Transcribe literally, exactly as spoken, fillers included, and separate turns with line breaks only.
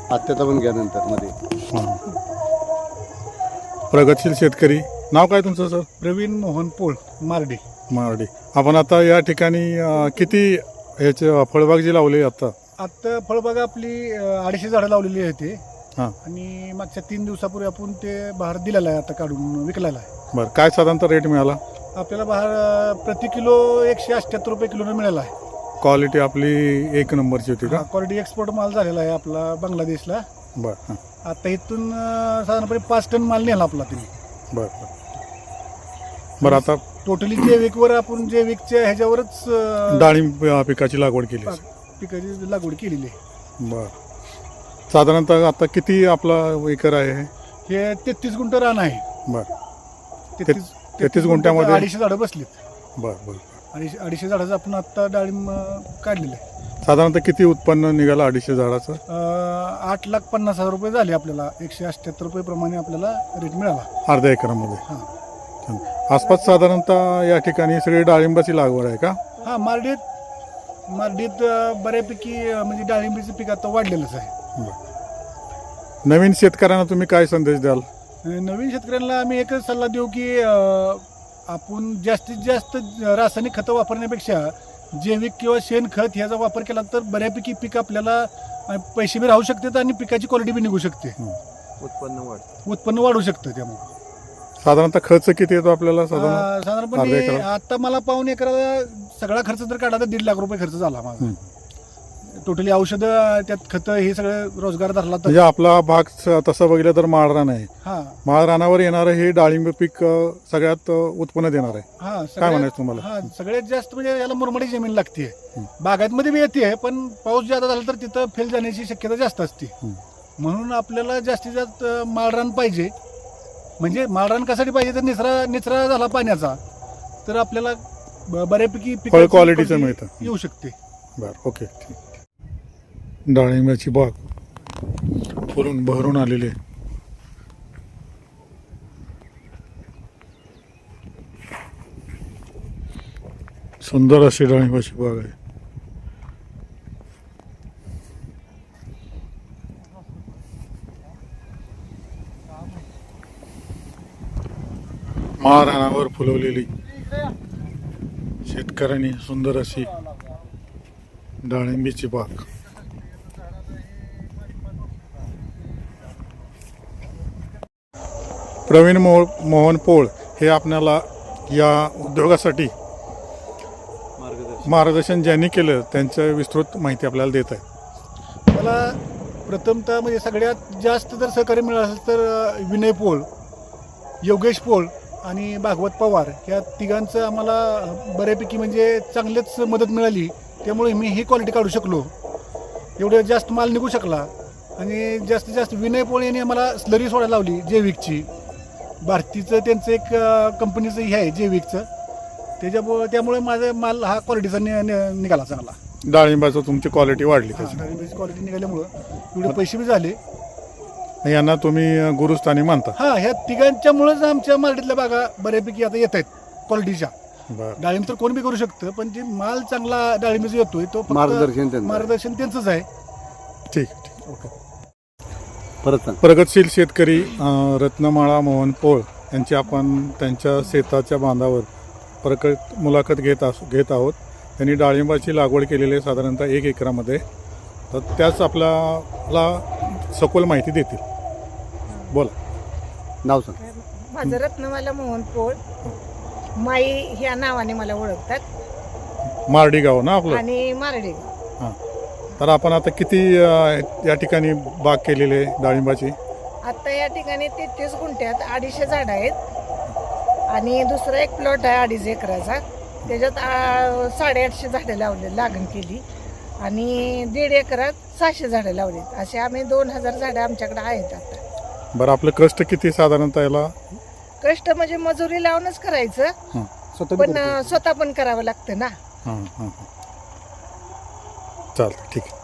आत्याचा पण घ्या नंतर मध्ये.
हां. प्रगतशील शेतकरी. नाव काय तुमचं सर?
प्रवीण मोहन पोळ, मार्डी.
मारडी. आपण आता या ठिकाणी अं, किती ह्याचे फळबाग जी लावली आता?
आत्ता फळबागा आपली अं, अडीचशे झाडं लावलेली आहे ते.
हां.
आणि मागच्या तीन दिवसापूर्वी आपण ते बहार दिलेला आहे, आता काढून विकलेला आहे.
बरं, काय साधारणतः रेट मिळाला?
आपल्याला बहार अं, प्रति किलो एकशे अठ्ठ्याहत्तर रुपये किलोनं मिळाला आहे.
क्वालिटी आपली एक नंबरची होती का?
क्वालिटी एक्सपोर्ट माल झालेला आहे आपला बांगलादेशला.
बरं. हां.
आता इथून अं, साधारणपणे पाच टन माल नेला आपला तिने.
बरं बरं बरं आता
टोटली जैविकवर आपण जैविकच्या ह्याच्यावरच अं,
डाळिंब पिकाची लागवड केली.
पिकाची लागवड केलेली आहे.
बरं, साधारणतः आता किती आपला एकर आहे?
हे तेहतीस गुंठ रान आहे.
बरं.
तेहतीस
तेहतीस गुंठ्यामध्ये
अडीचशे झाडं बसलीत.
बरं बरं
अडीचशे अडीचशे झाडाचं आपण आत्ता डाळिंब अं, काढलेलं आहे.
साधारणतः किती उत्पन्न निघालं अडीचशे झाडाचं?
अं, आठ लाख पन्नास हजार रुपये झाले आपल्याला. एकशे अठ्ठ्याहत्तर रुपये प्रमाणे आपल्याला रेट मिळाला.
अर्ध्या एकरामध्ये.
हां
छान. आसपास साधारणतः या ठिकाणी सगळी डाळिंबाची लागवड आहे का?
हां मार्डीत मार्डीत अं, बऱ्यापैकी अं, म्हणजे डाळिंबीचं पीक आता वाढलेलंच आहे.
बरं. नवीन शेतकऱ्यांना तुम्ही काय संदेश द्याल?
अं, नवीन शेतकऱ्यांना आम्ही एकच सल्ला देऊ की अं, आपण जास्तीत जास्त रासायनिक खतं वापरण्यापेक्षा जैविक किंवा शेणखत ह्याचा वापर केला तर बऱ्यापैकी पीक आपल्याला अं, पैसे बी राहू शकतात आणि पिकाची क्वालिटी बी निघू शकते.
उत्पन्न वाढ
उत्पन्न वाढू शकतं त्यामुळे.
साधारणतः खर्च किती येतो आपल्याला? साधारण
अं,
अर्धा
साधारणपणे
एकरात?
आता मला पाऊन एकराला सगळा खर्च जर काढला तर दीड लाख रुपये खर्च झाला माझा.
हं.
टोटली औषधं त्यात खतं हे सगळं रोजगार धरला तर.
म्हणजे आपला भाग स- तसं बघितलं तर माळरान आहे.
हा
माळरानावर येणारं हे डाळिंब पीक अं, सगळ्यात अं, उत्पन्न देणार आहे.
हा
काय
सगळ्यात-
म्हणायचं तुम्हाला?
हा सगळ्यात जास्त म्हणजे याला मुरमाडी जमीन लागते.
हं.
बागायतमध्ये बी येते पण पाऊस जादा झाला तर तिथं फेल जाण्याची शक्यता जास्त असते.
हं.
म्हणून आपल्याला जास्तीत जास्त माळरान पाहिजे. म्हणजे माळरान कशासाठी पाहिजे तर निचरा निचरा झाला पाण्याचा तर आपल्याला ब- बऱ्यापैकी
फळ
पिकाची
क्वालिटीचं
quality
मिळतं.
येऊ शकते.
बरं, ओके, ठीक. डाळिंबाची बाग फुलून बहरून आलेली आहे. सुंदर अशी डाळिंबाची बाग आहे. महाराणावर फुलवलेली शेतकऱ्यांनी सुंदर अशी डाळिंबीची बाग. प्रवीण मो मोहन पोळ हे आपल्याला या उद्योगासाठी
मार्गदर्शन
मार्गदर्शन ज्यांनी केलं त्यांचं विस्तृत माहिती आपल्याला देत आहे.
मला प्रथमतः म्हणजे सगळ्यात जास्त जर सहकार्य मिळालं असेल तर अ, विनय पोळ, योगेश पोळ आणि भागवत पवार या तिघांचं आम्हाला बऱ्यापैकी म्हणजे चांगलीच मदत मिळाली. त्यामुळे मी ही क्वालिटी काढू शकलो. एवढं जास्त माल निघू शकला. आणि जास्तीत जास्त विनय पोळ यांनी आम्हाला स्लरी सोडायला लावली जैविकची. भारतीचं त्यांचं एक अ, कंपनीचं हे आहे जैविकचं. त्याच्यामुळे त्यामुळे माझा माल हा क्वालिटीचा नि नि- निघाला चांगला.
डाळिंबाचं तुमची क्वालिटी वाढली त्याची.
क्वालिटी निघाल्यामुळं एवढे पैसे बी झाले.
यांना तुम्ही अं, गुरुस्थानी मानता.
हा ह्या तिघांच्यामुळेच आमच्या मार्केटल्या बागा बऱ्यापैकी आता येत आहेत क्वालिटीच्या.
बरं,
डाळिंब तर कोण बी करू शकतं पण जे माल चांगला डाळिंबीचा येतोय तो फक्त
मार्गदर्शन त्यांचं.
मार्गदर्शन त्यांचंच आहे.
ठीक ठीक.
ओके.
परत सांग.
प्रगतशील शेतकरी अं, रत्नमाळा मोहन पोळ यांची आपण त्यांच्या शेताच्या बांधावर प्रकट मुलाखत घेत असू घेत आहोत. त्यांनी डाळिंबाची लागवड केलेली आहे साधारणतः एक एकरामध्ये. तर त्याच आपल्याला सखोल माहिती देतील. बोला.
नाव सांग.
माझं रत्नमाला मोहन पोळ, माई ह्या नावाने मला ओळखतात.
मारडी गाव ना आपलं?
आणि मारडे.
हां. तर आपण आता किती अं, या ठिकाणी बाग केलेली आहे डाळिंबाची?
आता या ठिकाणी तेहतीस गुंठ्यात अडीचशे झाड आहेत आणि दुसरा एक प्लॉट आहे अडीच एकराचा. त्याच्यात आ, साडेआठशे झाडं लावले लागण केली आणि दीड एकरात सहाशे झाडं लावलीत. असे आम्ही दोन हजार झाडं आमच्याकडे आहेत आता.
बरं, आपलं कष्ट किती साधारणतः याला?
कष्ट म्हणजे मजुरी लावूनच करायचं
हां
स्वतः बी
पण
करतो.
अ, स्वतः पण करावं लागतं ना.
हां हां हां. चालतं, ठीक आहे.